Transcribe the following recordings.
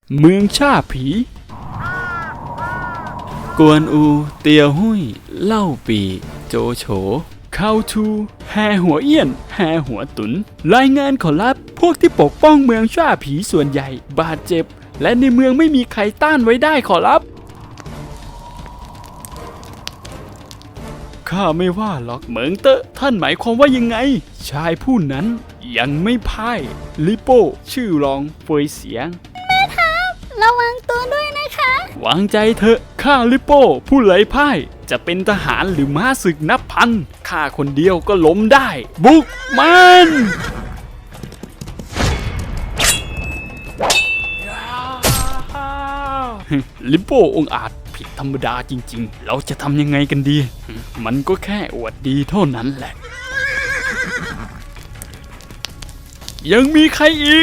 เมืองชาผีกวนอูเตียวหุยเล่าปีโจโฉเข้าทูแฮหัวเอี้ยนแฮหัวตุนรายงานขอรับพวกที่ปกป้องเมืองชาผีส่วนใหญ่บาดเจ็บและในเมืองไม่มีใครต้านไว้ได้ขอรับข้าไม่ว่าหรอกเหมิงเตอะท่านหมายความว่ายังไงชายผู้นั้นยังไม่พ่ายลิโป้ชื่อรองเฟยเสียงแม่ทัพระวังตัวด้วยนะคะวางใจเถอะข้าลิโป้ผู้ไร้พ่ายจะเป็นทหารหรือม้าศึกนับพันข้าคนเดียวก็ล้มได้บุกมันลิโป้องอาจผิดธรรมดาจริงๆเราจะทำยังไงกันดีมันก็แค่อวดดีเท่านั้นแหละยังมีใครอีก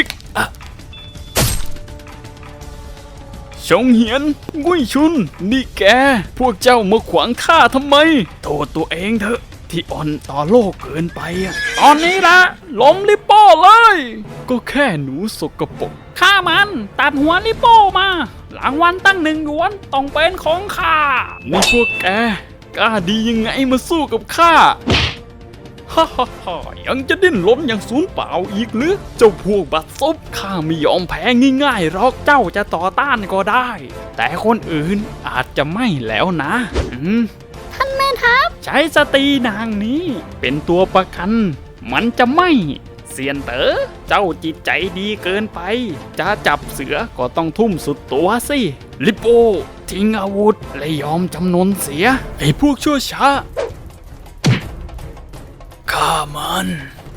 ชงเหียนงุ้ยชุนนี่แกพวกเจ้ามาขวางข้าทำไมโทษตัวเองเถอะที่อ่อนต่อโลกเกินไปตอนนี้ละล้มลิโป้เลยก็แค่หนูสกปรกฆ่ามันตัดหัวลิโป้มารางวัลตั้ง1 หยวนต้องเป็นของข้านี่พวกแกกล้าดียังไงมาสู้กับข้าฮ่าฮ่าฮ่ายังจะดิ้นรนอย่างสูญเปล่าอีกหรือเจ้าพวกบัดซบข้าไม่ยอมแพ้ง่ายๆหรอกเจ้าจะต่อต้านก็ได้แต่คนอื่นอาจจะไม่แล้วนะท่านแม่ทัพใช้สตรีนางนี้เป็นตัวประกันมันจะไม่เสียนเต๋อเจ้าจิตใจดีเกินไปจะจับเสือก็ต้องทุ่มสุดตัวสิลิโป้ทิ้งอาวุธและยอมจำนนเสียไอ้พวกชั่วช้าฆ่ามัน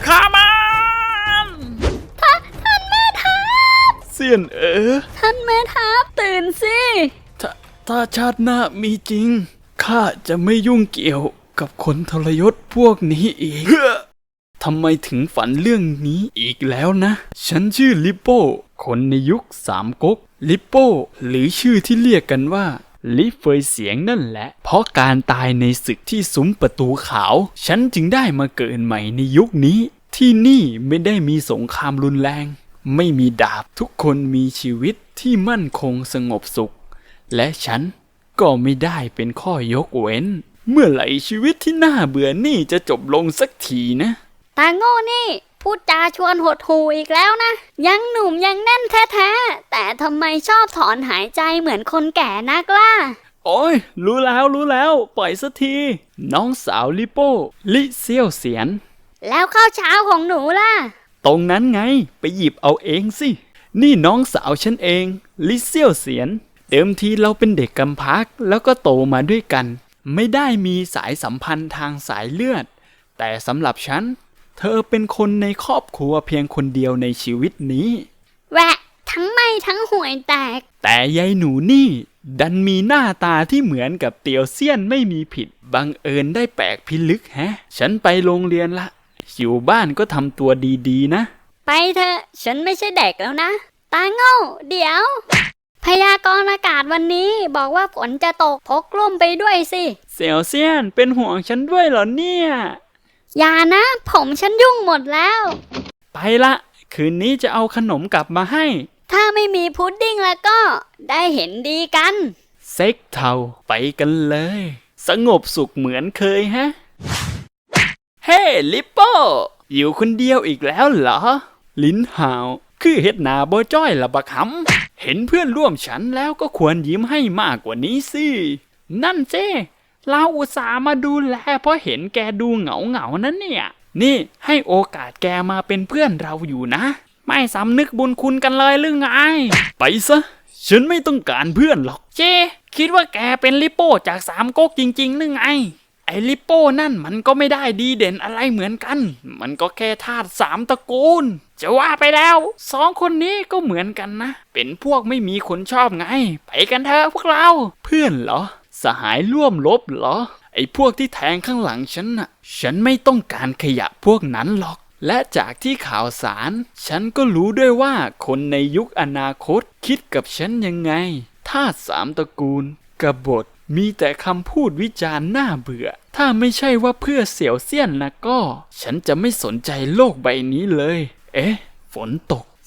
ท่านแม่ทัพเสียนท่านแม่ทัพตื่นสิถ้าชาติหน้ามีจริงข้าจะไม่ยุ่งเกี่ยวกับคนทรยศพวกนี้อีกทำไมถึงฝันเรื่องนี้อีกแล้วนะฉันชื่อลิโป้คนในยุคสามก๊กลิโป้หรือชื่อที่เรียกกันว่าลิเฟยเสียงนั่นแหละเพราะการตายในศึกที่ซุ้มประตูขาวฉันจึงได้มาเกิดใหม่ในยุคนี้ที่นี่ไม่ได้มีสงครามรุนแรงไม่มีดาบทุกคนมีชีวิตที่มั่นคงสงบสุขและฉันก็ไม่ได้เป็นข้อยกเว้นเมื่อไหร่ชีวิตที่น่าเบื่อนี่จะจบลงสักทีนะตาโง่นี่พูดจาชวนหดหู่อีกแล้วนะยังหนุ่มยังแน่นแท้ๆแต่ทำไมชอบถอนหายใจเหมือนคนแก่นักล่ะโอ้ยรู้แล้วปล่อยสักทีน้องสาวลิโป้ลิเซี่ยวเสียนแล้วข้าวเช้าของหนูล่ะตรงนั้นไงไปหยิบเอาเองสินี่น้องสาวฉันเองลิเซี่ยวเสียนเดิมทีเราเป็นเด็กกำพร้าแล้วก็โตมาด้วยกันไม่ได้มีสายสัมพันธ์ทางสายเลือดแต่สำหรับฉันเธอเป็นคนในครอบครัวเพียงคนเดียวในชีวิตนี้แหวะทั้งไม่ทั้งห่วยแตกแต่ยายหนูนี่ดันมีหน้าตาที่เหมือนกับเตียวเซียนไม่มีผิดบังเอิญได้แปลกพิลึกแฮะฉันไปโรงเรียนละอยู่บ้านก็ทำตัวดีๆนะไปเถอะฉันไม่ใช่เด็กแล้วนะตาโง่เดี๋ยวพยากรณ์อากาศวันนี้บอกว่าฝนจะตกพกร่มไปด้วยสิเสี่ยวเซียนเป็นห่วงฉันด้วยเหรอเนี่ยอย่านะผมฉันยุ่งหมดแล้วไปละคืนนี้จะเอาขนมกลับมาให้ถ้าไม่มีพุดดิ้งแล้วก็ได้เห็นดีกันเซ็กเทาไปกันเลยสงบสุขเหมือนเคยฮะเฮ้ลิปโป้อยู่คนเดียวอีกแล้วเหรอลิ้นห่าวคือเฮ็ดหน้าบ่จ้อยละบักหำเห็นเพื่อนร่วมฉันแล้วก็ควรยิ้มให้มากกว่านี้สินั่นเจ้เราอุตส่าห์มาดูแลเพราะเห็นแกดูเหงานั้นเนี่ยนี่ให้โอกาสแกมาเป็นเพื่อนเราอยู่นะไม่สำนึกบุญคุณกันเลยหรือไงไปซะฉันไม่ต้องการเพื่อนหรอกเจ้คิดว่าแกเป็นลิโป้จากสามก๊กจริงๆหรือไงไอ้ลิโป้นั่นมันก็ไม่ได้ดีเด่นอะไรเหมือนกันมันก็แค่ธาตุ3 ตระกูลจะว่าไปแล้ว2 คนนี้ก็เหมือนกันนะเป็นพวกไม่มีคนชอบไงไปกันเถอะพวกเราเพื่อนเหรอสหายร่วมรบเหรอไอ้พวกที่แทงข้างหลังฉันน่ะฉันไม่ต้องการขยะพวกนั้นหรอกและจากที่ข่าวสารฉันก็รู้ด้วยว่าคนในยุคอนาคตคิดกับฉันยังไงธาตุ3 ตระกูลกบฏมีแต่คำพูดวิจารณ์น่าเบื่อถ้าไม่ใช่ว่าเพื่อเสี่ยวเซียนนะก็ฉันจะไม่สนใจโลกใบนี้เลยฝนตก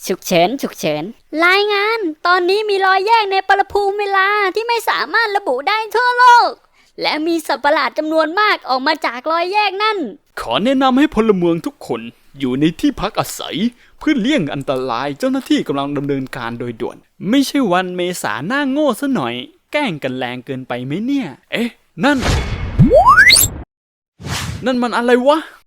ฉุกเฉินฉุกเฉินรายงานตอนนี้มีรอยแยกในปรภูมิเวลาที่ไม่สามารถระบุได้ทั่วโลกและมีสัตว์ประหลาดจำนวนมากออกมาจากรอยแยกนั่นขอแนะนำให้พลเมืองทุกคนอยู่ในที่พักอาศัยเพื่อเลี่ยงอันตรายเจ้าหน้าที่กำลังดำเนินการโดยด่วนไม่ใช่วันเมษาหน้าโง่ซะหน่อยแกล้งกันแรงเกินไปไหมเนี่ยเอ๊ะนั่นมันอะไรวะ